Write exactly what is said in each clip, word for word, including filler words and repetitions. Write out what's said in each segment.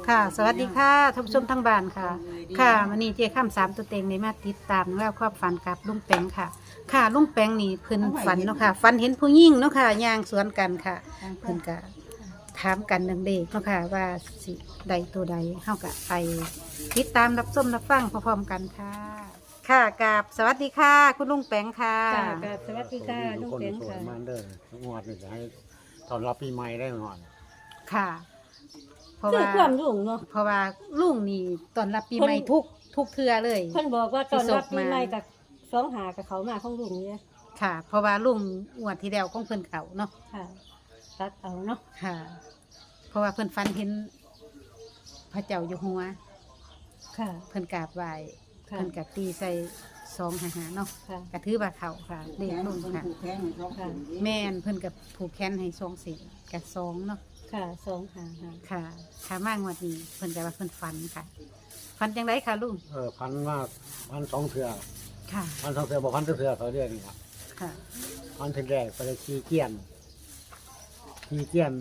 ค่ะสวัสดีค่ะท่านผู้ชมทั้งบ้านค่ะ ค่ะวันนี้เจ้าข้ามสามตัวเต็งในมาติดตามแล้วความฝันกับลุงแปงค่ะ ค่ะลุงแปงนี่เพิ่นฝันเนาะค่ะฝันเห็นผู้หญิงเนาะค่ะย่างสวนกันค่ะเพิ่นก็ถามกันดังเด็กเนาะค่ะว่าสิใดตัวใดเฮาก็ไปติดตามรับชมรับฟังพร้อมๆกันค่ะ ค่ะกับสวัสดีค่ะ คุณลุงแปงค่ะค่ะกับสวัสดีค่ะลุงคนเป็งสวยค่ะมันเด้องวดนี่จะให้ตอนรับปีใหม่ได้ก่อนค่ะ เพราะคือว่าความรุ่งเนาะเพราะว่าลุงนี่ตอนรับปีใหม่เพิ่นทุกทุกเทือเลยเพิ่นบอกว่าตอนรับที่ส่งมาปีใหม่กับสองหากับเขามาของลุงเนี่ยค่ะ เพราะว่าลุงงวดที่แล้วของเพิ่นเขาเนาะค่ะ ตัดเอาเนาะค่ะ เพราะว่าเพิ่นฟันเห็นพระเจ้าอยู่หัวค่ะเพิ่นกราบไหว้ค่ะเพิ่นกตีใส่สองหาหาเนาะค่ะกระถือว่าเขาค่ะเด็กลุงค่ะค่ะแม่นเพิ่นกับผูกแขนให้สองสีกับสองเนาะค่ะสองหาค่ะค่ะขามางวดนี้เพิ่นจะว่าเพิ่นฝันค่ะฝันจังไดค่ะลุงเออพันมากพันสองเถื่อค่ะพันสองเถื่อบอกพันเถื่อเขาเรียกนี่ครับค่ะพันเถื่อแรกไปเลยขี่เกียนขี่เกียน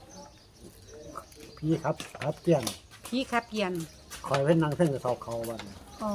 พี่ครับครับเกียนพี่ครับเปลี่ยนคอยเป็นนางเส้นกระสอบเขาบ้านอ๋อน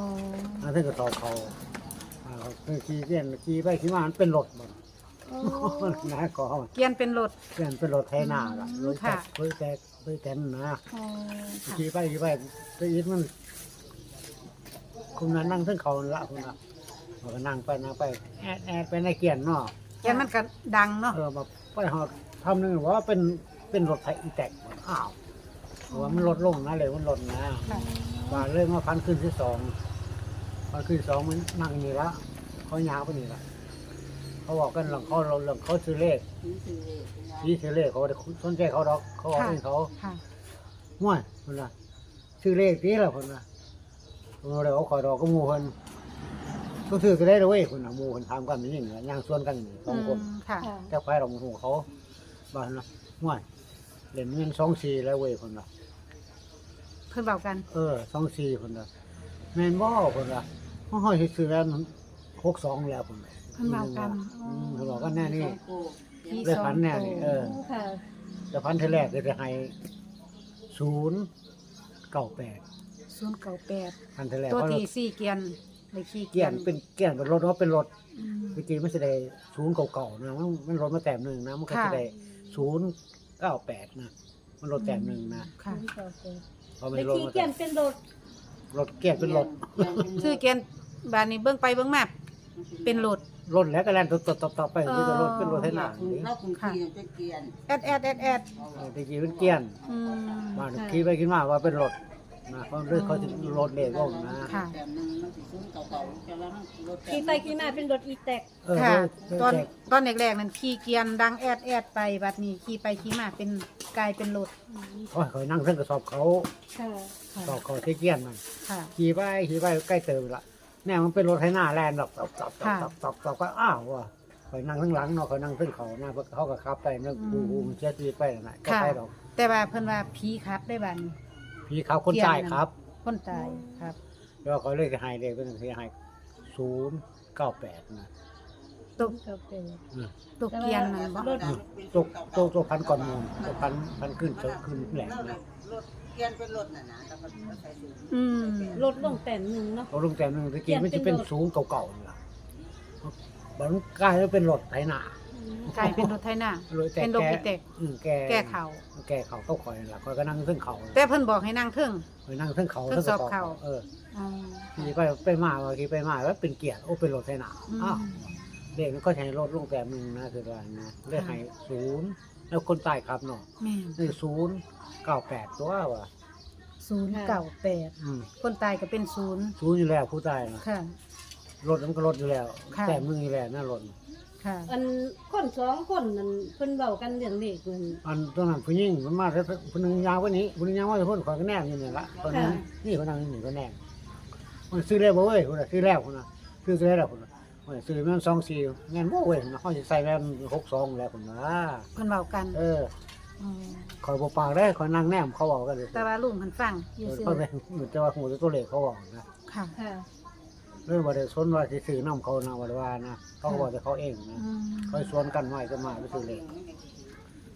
างเส้นกระสอบเขาอ่าคือขี่เกียนขี่ไปขี่มามันเป็นรถบ้านโอ้นะก็เกียนเป็นรถเกียนเป็นรถไทยนาล่ะรถแตค่ะกรถแตกรถแตนนะอ๋อค่ะขี่ไปขี่ไปไปอีกมันคุณน่ะนั่งเส้นเขาละคุณน่ะมันก็นั่งไปนั่งไปแอดแอดไปในเกียนเนาะเกียนมันก็ดังเนาะเออมาไปหอดทำหนึงว่าเป็นเป็นรถไถอีแตกอ้าวเพราะว่ามันลดลงนะเลยมันลดนะค่ะว่าเรื่องว่าพันขึ้นที่สองพันขึ้นที่สองมันนั่งนี่ละเขายาวไปนี่ละเขาบอกกันหลังเขาเราหลังเขาซื้อเลขยี่ซื้อเลขเขาสนใจเขาดอกเขาบอกให้เขาค่ะห่วยคนละซื้อเลขนี้ละคนละเราเลยเขาขอดอกก็หมูคนก็ซื้อก็ได้เลยเว้ยคนละหมูคนทำกันอย่างนี้ย่างส่วนกันอย่างนี้สองคนมค่ะค่ะแค่ไฟเราหูเขาบ้านนะห่วยเหรียญเงินสองสี่แล้วเว้ยคนละเพิ่นเบากันเออสองสี่คนละแมนบ่คนละห้องห้อยซื้อแล้วหกสองแล้วคนละเพิ่นเบากันอืมเขาบอกกันแน่นี่พี่ได้สองพันแน่นี่เออโอ้ค่ะแต่พันเทแรกเลยจะให้ศูนย์เก้าแปดศูนย์เก้าแปดพันเทแรกตัวเพราะที่สี่เกียนเลยขี่เกียนเป็นเกียนเป็นรถว่าเป็นรถอืมจริงๆมันจะได้ศูนย์เก่าๆนะมันมันรถมาแต้มหนึ่งนะมันก็ค่ะจะได้ศูนย์เก้าแปดนะมันรถแต้มหนึ่งนะค่ะเพราะมันในรถที่มาเกียแต้นมเป็นรถรถเกียนเป็นรถชื่อเกียนบานนี้เบิ่งไปเบิ่งมาเป็นรถรถแล้วก็แล่นต่อต่อต่อไปคือจะรถเป็นรถไถนานี่เราคงขี่จะเกียนแอดแอดแอดแอดเออจริงๆเป็นเกียนอืมมาขี่ไปขี่มาว่าเป็นรถนะเพราะเรื่องเขาจะรถเล็กลงนะค่ะแต่หนึ่งมันสิซุ้มเก่าๆจะแล้วมันรถแต่ขี่ไปขี่มาเป็นรถอีแตกเออค่ะรถตอนแจกตอนแรกๆนั้นขี่เกียนดังแอดแอดไปบัดนี้ขี่ไปขี่มาเป็นกลายเป็นรถโอ้ยเขานั่งเส้นกระสอบเขาค่ะค่ะสอบเขาที่เกียนมันค่ะขี่ไปขี่ไปใกล้เติมละเนี่ยมันเป็นรถไถนาแลนด์หรอกตบตบตบค่ะตบตบตบก็อ้าวว่ะคอยนั่งข้างหลังเนาะคอยนั่งขึ้นเขาหน้าเขาก็ขับไปนั่งดูดูมันเช็ดตีไปนั่นแหละก็ค่ะไปดอกแต่ว่าเพิ่นว่าผีครับได้บัดนี้พี่เขาคนตายครับคนตายครับแล้วเขาเลยจะให้เลยเป็นที่ให้ศูนย์เก้าแปดนะตกก็เป็นอืมตกเกียนนั่นบ่รถตัวตัวตัวพันก่อนมูลตัวพันพันขึ้นขึ้นแหลมนะรถเกียนเป็นรถน่ะนะแต่มันใส่สูงอืมรถลงแต่หนึ่งเนาะเราลงแต่หนึ่งตะกี้มันจะเป็นศูนย์เก่าๆนี่ล่ะมันกลายเป็นรถไถนากลายเป็นรถไถนาเลยแต่เป็นรถอีแตกอืมแกแก้เขาแก้เขาเข้าคอยนั่นล่ะคอยก็นั่งขึ้นเขาแต่เพิ่นบอกให้นั่งเทิงคอยนั่งขึ้นเขาทดสอบเขาเอออ๋อขี่ไปไปมาว่าขี่ไปมาแล้วเป็นเกียร์โอ้เป็นรถไถนาอืมอ้าวเด็กมันก็ใช้รถลงแต่หนึ่งนะคือว่านะเลขให้ศูนย์แล้วคนตายครับเนาะแม่นนี่ศูนย์เก้าแปดตัวว่ะศูนย์เก้าแปดอืมคนตายก็เป็นศูนย์ศูนย์อยู่แล้วผู้ตายนะค่ะรถมันก็รถอยู่แล้วค่ะแต่มึงอยู่แล้วน่ารถค่ะอันคนสองคนนั่นเพิ่นเว้ากันเรื่องเลขมันอันตรงนั้นผู้หญิงมันมาแล้วผู้หนึงยาวกว่านี้ผู้หนึงยาวกว่าคนขอยก็แนมอยู่นี่ละคนนั้นค่ะนี่คนนั้นนี่ก็แนมมันซื้อแล้วบ่เว้ยคนน่ะซื้อแล้วคนน่ะซื้อซื้อแล้วคนน่ะมันซื้อแม่นสองสี่แม่นบ่เว้ยคนน่ะเขาสิใส่แม่นหกสองแล้วคนน่ะเพิ่นเว้ากันเอออ๋อคอยบ่ปากได้คอยนั่งแนมเขาบอกกันเลยแต่ว่าลุงเพิ่นฟังอเอยู่ อซื่อเขาเป็นเหมือนจะว่าหูตัวเลขเขาบอกนะค่ะค่ะเรื่องบ่ได้สนว่าสิซื้อนํเขานะว่าได้ว่านะเขาก็บอกแต่เขาเองนะอืมคอยสวนกันไว้จะมาไปซื้อเลข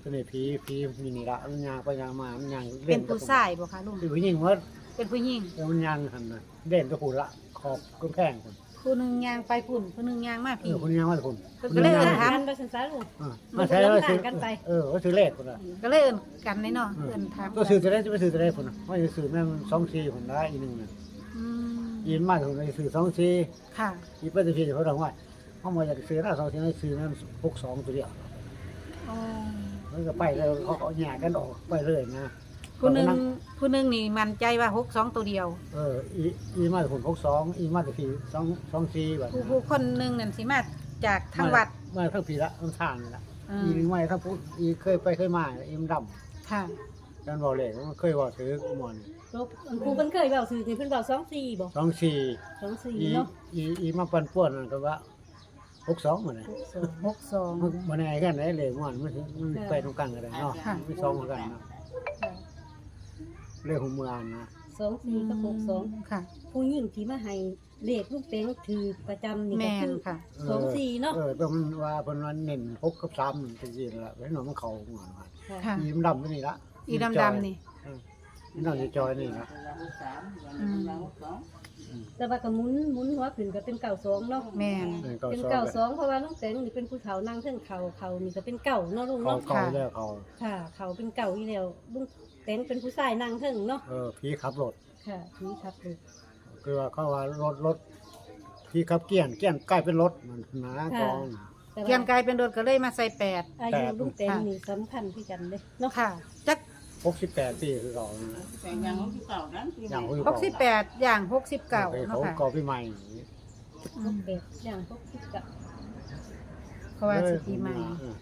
ตัวนี้ผีผีมีนี่ละมันยางไปยางมามันยางเป็นผู้ชายบ่คะลุงคือผู้หญิงว่าเป็นผู้หญิงแล้วมันยางหันน่ะเด่นตัวผู้ละขอบก็แข้งคนผู้หนึงย่างไปพุ่นผู้หนึงย่างมาเอพี่อคนยางว่าคนเพิ่นก็เลยเอิ้นถาถามมไปสันสาลูกอ่ามาใช้แล้วซื้อมันก็ลำบากกันไปเออว่าซื้อเลขคนละก็เลยเอิ้นกันในเนาะเอิ้นถามก็ซื้อจะได้จะไปซื้อจะได้คนน่ะว่าจะซื้อแม่งสองสี่คนได้อีกหนึ่งน่ะอืมยินมากคนไปซื้อสองสี่ค่ะอีไปจะพี่เขาบอกว่าเขามาอยากซื้อหน้าสองสี่ให้ซื้อแม่งหกสองตัวเดียวอ๋อมันก็ไปแล้วเขาเอาแยกกันออกไปเลยนะผู้หนึงผู้หนึงนี่มั่นใจว่าหกสองตัวเดียวเอออีอีมาจากคนหกสองอีมาจากพี่สองสองสี่แบบผู้ผู้คนหนึงนั่นสิมาจากทางวัดมาทั้งพี่ละทั้งทางนี่ละอืมอีนึงไม่ทั้งพูดอีเคยไปเคยมาอีมันดค่ะำกันบอกเลยมันเคยบอกซื้อหมอนลูกอันครูเพิ่นเคยเว้าสื่อนี่เพิ่นเว้าสองสี่บ่สองสี่สองสี่อีเนาะอีอีมาปันป่วนนั่นก็ว่าหกสองเหมือนไงหกสองมันมันไงกันไหนเลยหมอนมันมันไปตรงกลางกันเลยเนาะค่ะไม่สองเหมือนกันเนาะค่ะเรื่องของเมืองนะสองสี่กับหกสองค่ะผู้หญิงที่มาให้เลขลูกเต็งถือประจำนี่แมก็นคือค่ะสองสี่เนาะเออแต่มันว่าเป็นวันเน้นหกกับสามมันจริงๆละไว้หน่อยมันเข่าหมอนว่าค่ะค่ะอีมันดำตัวนี้ละอีดำดำๆนี่เอออีดำจะจอยนี่ละอืมแต่ว่าก็หมุนหมุนหัวขึ้นก็เป็นเก่าสองเนาะแมนเออเก่าเป็นซอเก่าไปสองเพราะว่าลูกเต็งนี่เป็นผู้เฒ่านั่งเทิงเขาเขานี่ก็เป็นเก่าเนาะลุงเขาเนาะเก่าแล้วเขาค่ะ เขาเป็นเก่าอีแล้วลุงเต็งเป็นผู้ชายนั่งเทิงเนาะเออพี่ขับรถค่ะนี่ครับลูกคือว่าเขาว่ารถรถพี่ขับเกี้ยนเกี้ยนใกล้เป็นรถมันนะกองแต่เกียนว่ากลายเป็นโดดก็เลยมาใส่แปดอายุลุงเต็งนี่สำคัญที่กันเลยเนาะค่ะ จักหกสิบแปดปีคือเขาแต่ยังเขาที่เก่านั้นอย่างเขาหกสิบแปดอย่างหกสิบเก้าเขาเนาะค่ะก่อพี่ใหม่อืมเป็ดอย่างพวกคิดกับเพราะว่าสิปีใหม่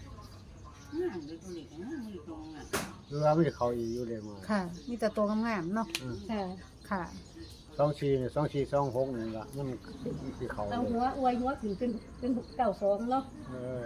คือว่าไม่ได้เขาอีอยู่เลยมาค่ะ มีแต่ตัวงามๆเนาะค่ะค่ะสองชีสองชีสองหกนี่ละมันคือเขาเอาหัวอวยหัวถึงเป็นเป็นเก่าสองเนาะเออ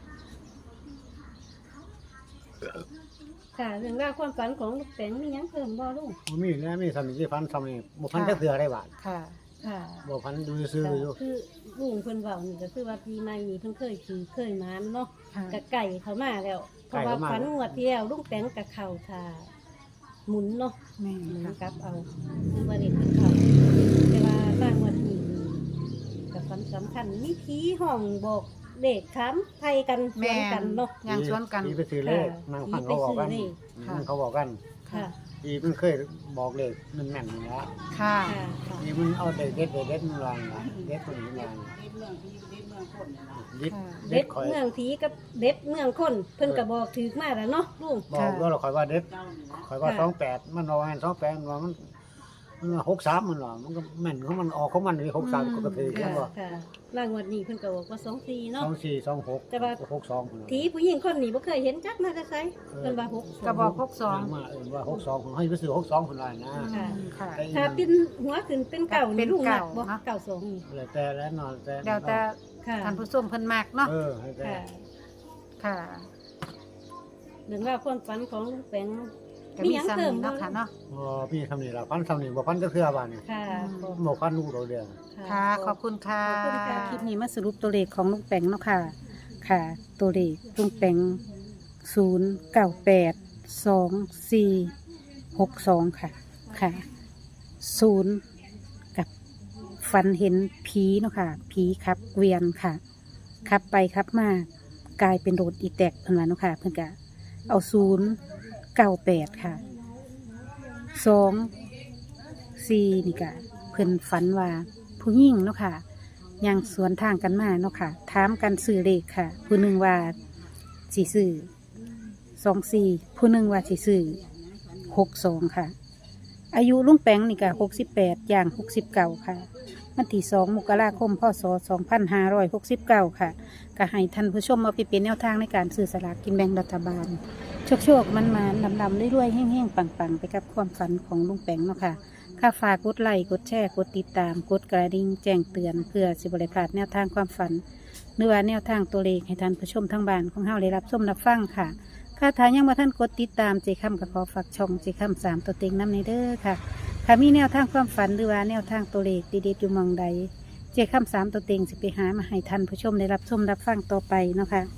ค่ะเรื่องราวความฝันของลูกแตงมีหยังเพิ่มบ่ลุงมันมีแล้วมีทำที่พันทำนี่บุพันจะเสือได้บาทค่ะค่ะบุพันดูซื้ออยู่คือลุงเพิ่นเว้านี่ก็คือว่าปีใหม่นี่เพิ่นเคยขี่เคยมานเนาะค่ะกะไก่เข้ามาแล้วเพราะว่าฝันงวดที่แล้วลุงแตงกะเข้าท่าหมุนเนาะแม่หมุนค่ะกลับเอาคือว่าเด็กเป็นเข้าแต่ว่าบางวันนี้กับฝันสำคัญมีผีห้องบอกเด็กถามไทยกันสแม่วนกันเนาะย่างสวนกันทีไปซื้อเลขนางฟังเขาบอกกันเขาบอกกันค่ะทีมันเคยบอกเลขมันแม่นอยู่แล้วค่ะค่ะค่ะทีมันเอาเด็ดเด็ดเด็ดมันวางเด็ดคนนี้วางเรื่องที่เรื่องคนนะดิดเด็ดเมืองผีกับเด็ดเมืองคนเพิ่นก็บอกถือมาแล้วเนาะลุงบอกว่าเราคอยว่าเด็ดเจ้านี่นะคอยว่าสองแปดมันเอาแอนสองแปดมันว่ามันมันหกสามมันหรอมันก็แม่นของมันออกของมันเลยหกสามก็กระถือค่ะแล้วว่าค่ะรางวัลนี้เพิ่นก็บอกว่าสองสี่สเนาะองสี่สองหกแต่ว่าหกสองผีผู้หญิงคนนี้บ่เคยเห็นจักมาแต่ไสเพิ่นว่าหกกระบอกหกสองมาเออว่าหกสองให้ไปซื้อหกสองคนละนะค่ะค่ะถ้าเป็นหัวขึ้นเป็นเก่าเป็นี่นลุงนักเก่าบ่เนาะเก่าสองนี่แล้วแต่แล้วนอนแต่แล้วแต่ค่ะท่านผู้ชมเพิ่นมากเนาะเออให้แต่ค่ะค่ะเรื่องราวความฝันของลุงแปงก็มีซ้ำนี้เนาะค่ะเนาะอ๋อพี่ทำนี่ละพันทำนี่บ่พันก็เทื่อบ้านนี่ค่ะขอบบ่พันลูกเราเดียวค่ะ ขอบคุณค่ะขอบคุณค่ะคลิปนี้มาสรุปตัวเลขของลุงแปงเนาะค่ะ ค่ะ ตัวเลขลุงแปงศูนย์เก้าแปดสองสี่หกสองค่ะ ค่ะศูนย์กับฝันเห็นผีเนาะค่ะ ผีขับเกวียนค่ะ ขับไปขับมากลายเป็นโรดอีแตกเพิ่นว่าเนาะค่ะ เพิ่นก็เอาศูนย์เก้าแปดค่ะสองสี่นี่ก็เพิ่นฝันว่าผู้หญิงเนาะค่ะย่างสวนทางกันมาเนาะค่ะถามกันซื้อเลขค่ะ ผู้หนึ่งว่าสีซื้อสองสี่ผู้หนึ่งว่าสีซื้อหกสองค่ะ อายุลุงแปงนี่ก็หกสิบแปดย่างหกสิบเก้าค่ะวันที่สองมกราคมพศสองพันห้าร้อยหกสิบเก้าค่ะก็ให้ท่านผู้ชมมาไปเป็นแนวทางในการซื้อสลากกินแบ่งรัฐบาล โชคโชคมันมาดำดำๆรวยๆแห้งๆ ปังๆ ไปกับความฝันของลุงแปงเนาะค่ะค่าฝากกดไลค์กดแชร์กดติดตามกดกระดิ่งแจ้งเตือนเพื่อสิบริพลาดแนวทางความฝันหรือว่าแนวทางตัวเลขให้ท่านผู้ชมทั้งบ้านของเฮาได้รับชมรับฟังค่ะค่าทางยังมาท่านกดติดตามเจคำกับขอฝากช่องเจคำสามตัวเต็งน้ำในเด้อค่ะถ้ามีแนวทางความฝันหรือว่าแนวทางตัวเลขดีๆอยู่หมองใดเจคำสามตัวเต็งสิไปหามาให้ท่านผู้ชมได้รับชมรับฟังต่อไปเนาะค่ะ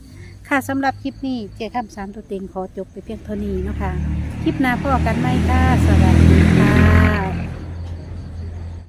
ค่ะสำหรับคลิปนี้เจ้าข้ามสามตัวเต็งขอจบไปเพียงเท่านี้เนาะค่ะคลิปหน้าพ่อกันไหมค่ะสวัสดี